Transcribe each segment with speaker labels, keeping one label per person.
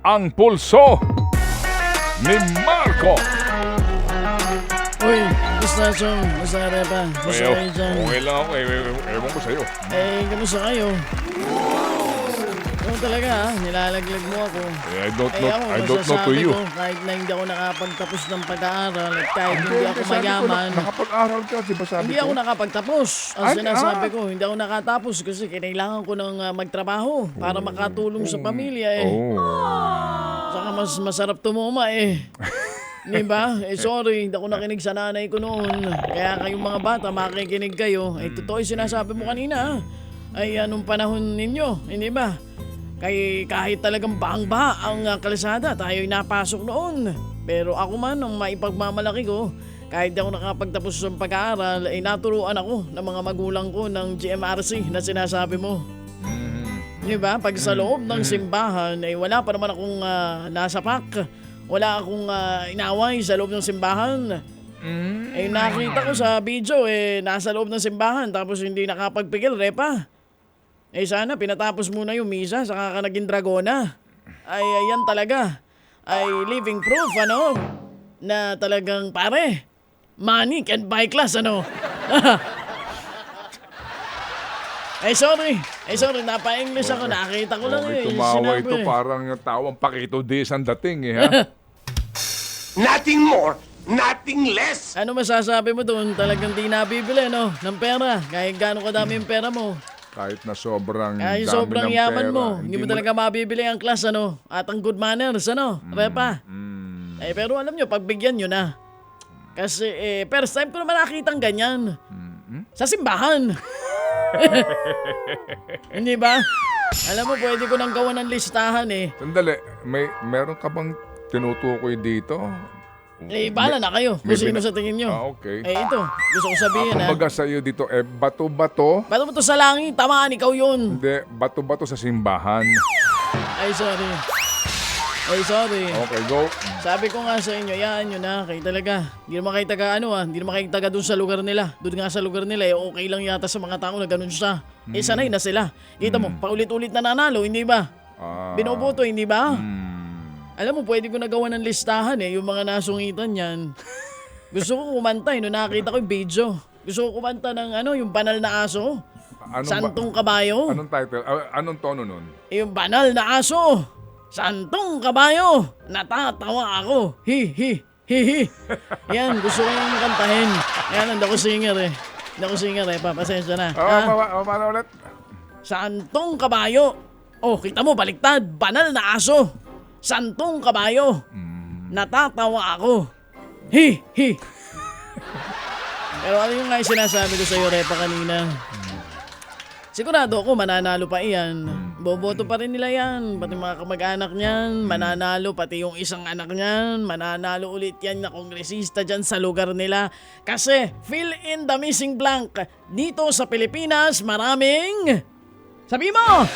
Speaker 1: ang pulso ni Marco.
Speaker 2: Uy, gusto Chong. Gusto ka rin pa. Gusto kayo dyan.
Speaker 1: Okay lang ako. Ewan ko sa'yo.
Speaker 2: Kamusta kayo? Oo talaga nilalaglag mo ako.
Speaker 1: I don't know to
Speaker 2: masasabi
Speaker 1: you.
Speaker 2: ko, kahit na hindi ako nakapagtapos ng pag-aaral at kahit hindi ako mayaman.
Speaker 1: Nakapag-aral ka, di ba sabi
Speaker 2: Hindi
Speaker 1: ko?
Speaker 2: ako nakapagtapos. Ang sinasabi ko, hindi ako nakatapos kasi kailangan ko ng magtrabaho para makatulong sa pamilya Saka mas masarap tumuma Di ba? Sorry, hindi ako nakinig sa nanay ko noon. Kaya kayong mga bata, makikinig kayo. Totoo yung sinasabi mo kanina. Anong panahon ninyo, hindi ba? Kahit talagang baang-baha ang kalsada, tayo'y napasok noon. Pero ako man, ang maipagmamalaki ko, kahit di ako nakapagtapos ng pag-aaral, naturuan ako ng mga magulang ko ng GMRC na sinasabi mo. Di ba? Pag sa loob ng simbahan, wala pa naman akong nasapak. Wala akong inaway sa loob ng simbahan. Nakita ko sa video, nasa loob ng simbahan tapos hindi nakapagpigil, repa. Sana pinatapos muna yung misa, saka ka naging dragona. Yan talaga. Living proof, na talagang pare, money can buy class, sorry, napa-English ako, nakita ko lang
Speaker 1: Tumawa ito,
Speaker 2: sinabi.
Speaker 1: parang tawang Pakito Diaz ang dating ha?
Speaker 3: Nothing more, nothing less.
Speaker 2: Ano masasabi mo doon? Talagang di nabibili, ng pera. Kahit gaano kadami yung pera mo.
Speaker 1: Kahit na sobrang
Speaker 2: Kahit
Speaker 1: dami
Speaker 2: sobrang
Speaker 1: ng
Speaker 2: yaman
Speaker 1: pera,
Speaker 2: mo. Hindi mo talaga mabibili ang class, At ang good manners, Repa. Pero alam nyo, pagbigyan nyo na. Kasi, first time ko naman nakitang ganyan. Sa simbahan. Hindi ba? Alam mo, pwede ko nang gawa ng listahan
Speaker 1: Sandali, meron ka bang tinutukoy dito?
Speaker 2: Bahala na kayo kung sino sa tingin nyo.
Speaker 1: Okay.
Speaker 2: Ito, gusto ko sabihin
Speaker 1: Kumbaga sa'yo dito, bato-bato?
Speaker 2: Ba't mo to sa langit? Tamaan, ikaw yun.
Speaker 1: Hindi, bato-bato sa simbahan.
Speaker 2: Sorry.
Speaker 1: Okay, go.
Speaker 2: Sabi ko nga sa inyo, yaan nyo na, kayo talaga. Hindi naman kayo taga hindi naman kayo taga dun sa lugar nila. Doon nga sa lugar nila, okay lang yata sa mga tao na ganun siya. Sanay na sila. Kita mo, paulit-ulit na nanalo, hindi ba? Binoboto, hindi ba? Alam mo, pwede ko nagawa ng listahan yung mga nasungitan yan. Gusto ko kumanta nung nakita ko yung video. Gusto ko kumanta ng yung banal na aso. Santong kabayo.
Speaker 1: Anong title? Anong tono nun?
Speaker 2: Yung banal na aso. Santong kabayo. Natatawa ako. Hi, hi, hi, hi. Yan, gusto ko yung kantahin. Yan, hindi ako singer Pasensya na.
Speaker 1: Paano ulit?
Speaker 2: Santong kabayo. Kita mo, baliktad. Banal na aso. Santong kabayo. Natatawa ako. Hi, hi. Pero ano yung nga yung sinasabi ko sa'yo, Repa, kanina? Sigurado ako, mananalo pa iyan. Boboto pa rin nila yan. Pati mga kamag-anak niyan, mananalo. Pati yung isang anak niyan, mananalo ulit yan na kongresista dyan sa lugar nila. Kasi, fill in the missing blank. Dito sa Pilipinas, maraming... Sabi mo!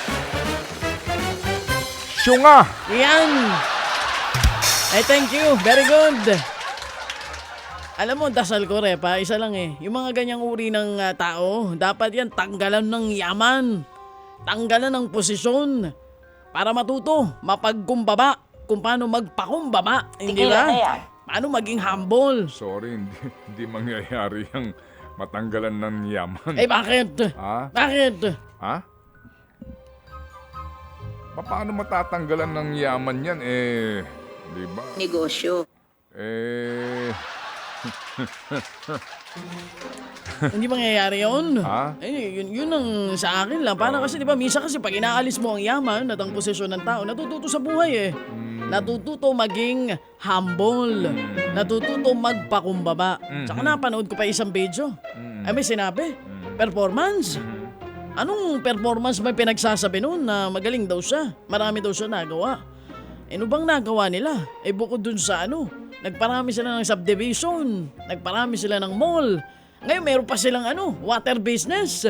Speaker 1: Syunga!
Speaker 2: Yan! Thank you. Very good. Alam mo, dasal ko, Repa, isa lang Yung mga ganyang uri ng tao, dapat yan tanggalan ng yaman. Tanggalan ng posisyon. Para matuto, mapagkumbaba. Kung paano magpakumbaba. Hindi ba? Paano maging humble.
Speaker 1: Sorry, hindi mangyayari yung matanggalan ng yaman.
Speaker 2: Bakit?
Speaker 1: Ha?
Speaker 2: Bakit?
Speaker 1: Ha? Paano matatanggalan ng yaman yan di ba?
Speaker 4: Negosyo.
Speaker 2: Hindi mangyayari yun.
Speaker 1: Ha?
Speaker 2: Yun ang sa akin lang. Paano kasi, di ba, misa kasi pag inaalis mo ang yaman at ang posisyon ng tao, natututo sa buhay Natututo maging humble. Natututo magpakumbaba. Tsaka napanood ko pa isang video. May sinabi, performance. Anong performance ba pinagsasabi noon na magaling daw siya? Marami daw siya nagawa. Ano bang nagawa nila? Bukod dun sa nagparami sila ng subdivision, nagparami sila ng mall. Ngayon meron pa silang water business.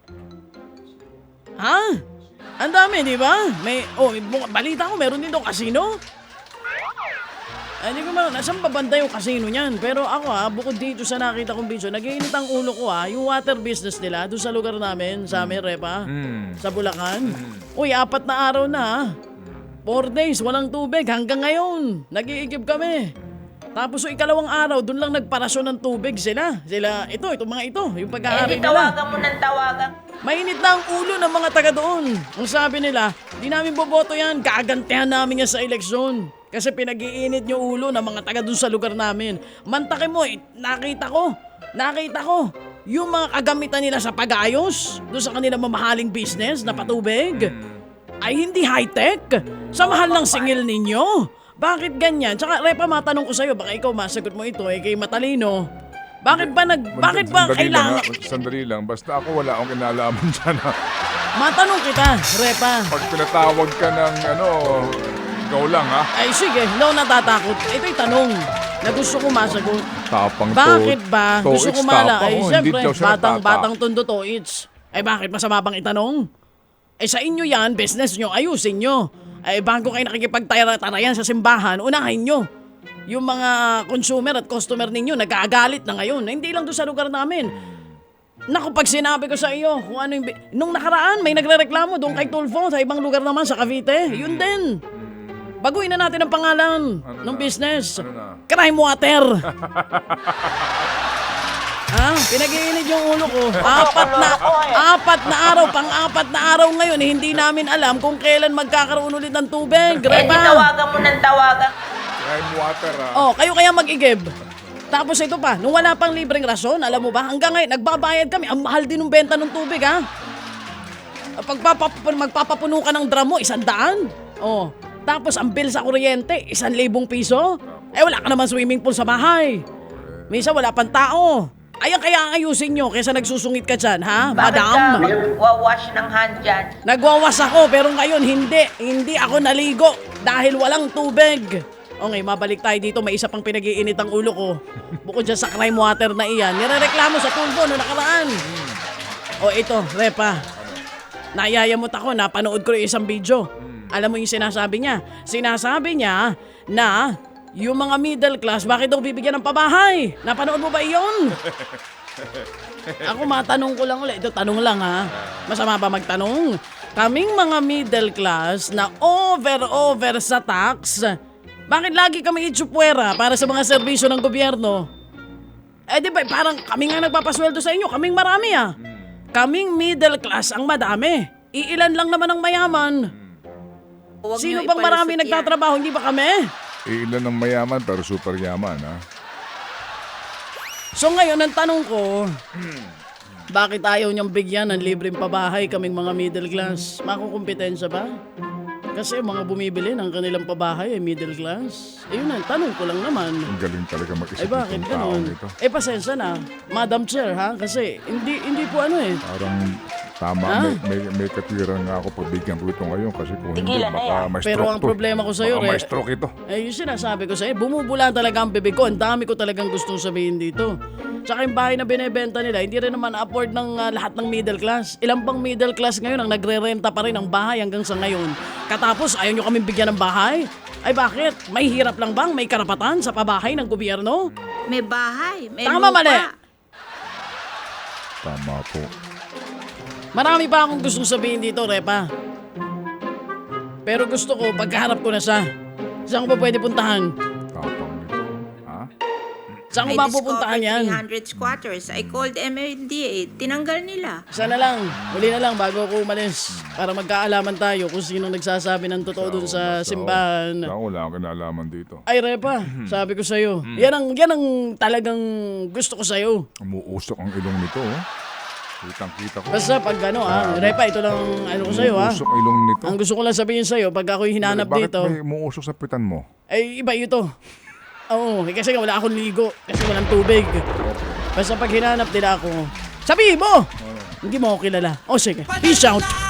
Speaker 2: Ha? Ang dami, di ba? Balita ko meron din daw casino. Hindi ko nasaan babanda yung casino niyan. Pero ako bukod dito sa nakita kong video, nag-iinit ang ulo ko yung water business nila doon sa lugar namin, sa amin, Repa, sa Bulacan. 4 na araw na 4 days, walang tubig. Hanggang ngayon, nag-iigib kami. Tapos yung ikalawang araw, doon lang nagparasyon ng tubig sila. Itong mga ito, yung pag-aari
Speaker 4: Hindi
Speaker 2: nila.
Speaker 4: tawagan mo ng tawagan.
Speaker 2: Mainit na ang ulo ng mga taga doon. Ang sabi nila, di namin boboto yan, gagantihan namin yan sa eleksyon. Kasi pinag-iinit yung ulo ng mga taga doon sa lugar namin. Mantake mo, nakita ko, yung mga kagamitan nila sa pag-ayos, doon sa kanilang mamahaling business na patubig, ay hindi high-tech. Sa mahal ng singil ninyo. Bakit ganyan? Tsaka, Repa, matanong ko sa'yo, baka ikaw masagot mo ito, kay matalino. Bakit ba kailangan...
Speaker 1: Sandali lang, basta ako wala akong kinalaman dyan.
Speaker 2: Matanong kita, Repa.
Speaker 1: Pag pinatawag ka ng ikaw lang ha.
Speaker 2: Ay sige, hindi ako natatakot. Ito'y tanong na gusto ko masagot.
Speaker 1: Tapang
Speaker 2: Bakit ba?
Speaker 1: to
Speaker 2: Gusto ko
Speaker 1: it's
Speaker 2: mala.
Speaker 1: tapang,
Speaker 2: Ay,
Speaker 1: oh,
Speaker 2: siyempre,
Speaker 1: hindi daw siya
Speaker 2: batang tondo to it's. Ay, bakit masama bang itanong? Eh, sa inyo yan, business nyo, ayusin nyo. Ay, bago kayo nakikipagtarayan sa simbahan, unahin nyo. Yung mga consumer at customer ninyo, nag-aagalit na ngayon. Hindi lang doon sa lugar namin. Naku, pag sinabi ko sa iyo, kung ano yung... Nung nakaraan, may nagrereklamo doon kay Tulfo, sa ibang lugar naman, sa Cavite. Yun din. Baguhin na natin ang pangalan ng business.
Speaker 1: Ano na?
Speaker 2: Crime Water. Ha? Pinag-iinit yung ulo ko. Apat na araw, pang-apat na araw ngayon, hindi namin alam kung kailan magkakaroon ulit ng tubig.
Speaker 4: Hindi
Speaker 2: Repa.
Speaker 4: tawagan mo ng tawagan.
Speaker 1: Crime water ha.
Speaker 2: Oh, kayo kaya mag-igib. Tapos ito pa, nung wala pang libreng rason, alam mo ba, hanggang ngayon, nagbabayad kami. Ang mahal din ng benta ng tubig, ha? Magpapapuno ka ng drum mo, 100. Oh. Tapos ang bill sa kuryente, 1,000 piso. Eh, wala ka naman swimming pool sa bahay. Minsan wala pang tao. Ayan kaya ayusin nyo kaysa nagsusungit ka dyan, ha,
Speaker 4: Bakit ka
Speaker 2: madam?
Speaker 4: magwawash ng hand dyan?
Speaker 2: Nagwawas ako pero ngayon hindi ako naligo dahil walang tubig. Okay, mabalik tayo dito. May isa pang pinag-iinit ang ulo ko. Bukod dyan sa crime water na iyan, nirereklamo sa Tulfo no nakaraan. O ito, Repa. Nayayamot ako, napanood ko yung isang video. Alam mo yung sinasabi niya? Sinasabi niya na yung mga middle class, bakit daw bibigyan ng pabahay? Napanood mo ba iyon? Ako matanong ko lang ulit. Ito, tanong lang ha. Masama ba magtanong? Kaming mga middle class na over sa tax, bakit lagi kami itsupwera para sa mga serbisyo ng gobyerno? Eh di ba, parang kami nga nagpapasweldo sa inyo. Kaming marami ah. Kaming middle class ang madami. Iilan lang naman ang mayaman.
Speaker 4: Huwag
Speaker 2: Sino
Speaker 4: niyo
Speaker 2: bang marami
Speaker 4: ipalusot yan.
Speaker 2: nagtatrabaho? Hindi ba kami?
Speaker 1: Ilan ng mayaman pero super yaman ha.
Speaker 2: So ngayon, ang tanong ko, bakit ayaw niyang bigyan ng libreng pabahay kaming mga middle class? Makukumpetensya ba? Kasi mga bumibili ng kanilang pabahay ay middle class. Ayun ang tanong ko lang naman.
Speaker 1: Ang galing talaga mag-isip
Speaker 2: Ay bakit
Speaker 1: itong taong
Speaker 2: ganun?
Speaker 1: ito.
Speaker 2: Eh pasensya na, Madam Chair ha? Kasi hindi po ano eh.
Speaker 1: Parang tama,
Speaker 2: Ha?
Speaker 1: may katwiran nga ako pagbigyan ko ito ngayon kasi kung hindi,
Speaker 4: Tigilan na
Speaker 1: baka
Speaker 4: yan.
Speaker 1: may stroke
Speaker 2: Pero ang
Speaker 1: to.
Speaker 2: problema ko sa'yo,
Speaker 1: Baka may
Speaker 2: Re-
Speaker 1: stroke ito.
Speaker 2: Eh yung sinasabi ko sa'yo, bumubula talaga ang bibig ko. Ang dami ko talagang gustong sabihin dito. Tsaka yung bahay na binebenta nila, hindi rin naman afford ng lahat ng middle class. Ilang pang middle class ngayon ang nagre-renta pa rin ng bahay hanggang sa ngayon. Katapos ayaw nyo kaming bigyan ng bahay? Ay bakit? May hirap lang bang may karapatan sa pabahay ng gobyerno?
Speaker 4: May bahay, may
Speaker 2: Tama,
Speaker 4: lupa.
Speaker 2: mali.
Speaker 1: Tama po.
Speaker 2: Marami pa akong gustong sabihin dito, Repa. Pero gusto ko, pagkaharap ko na siya. Saan ko ba pwede puntahan?
Speaker 1: Tapang nito. Ha?
Speaker 2: Saan ko
Speaker 4: I
Speaker 2: ba pupuntahan yan?
Speaker 4: discovered 300 squatters. I called MMDA. Tinanggal nila.
Speaker 2: Sana lang, huli na lang bago ako umalis. Para magkaalaman tayo kung sino nagsasabi ng totoo dun sa simbahan.
Speaker 1: Ako wala akong kinalaman dito.
Speaker 2: Ay, Repa, sabi ko sa'yo. Yan ang talagang gusto ko sa'yo.
Speaker 1: Umuusok ang ilong nito. Oh. Kitang-kita ko.
Speaker 2: Basta pag Repa, ito lang ano ko sa'yo ha.
Speaker 1: Umuusok ang ilong nito.
Speaker 2: Ang gusto ko lang sabihin sa'yo, pag ako'y hinanap
Speaker 1: Bakit
Speaker 2: dito,
Speaker 1: may umuusok sa pitan mo?
Speaker 2: ay iba ito. Oo, kasi nga wala akong ligo. Kasi walang tubig. Basta pag hinanap nila ako, sabihin mo! Hindi mo ako kilala. O sige, peace out!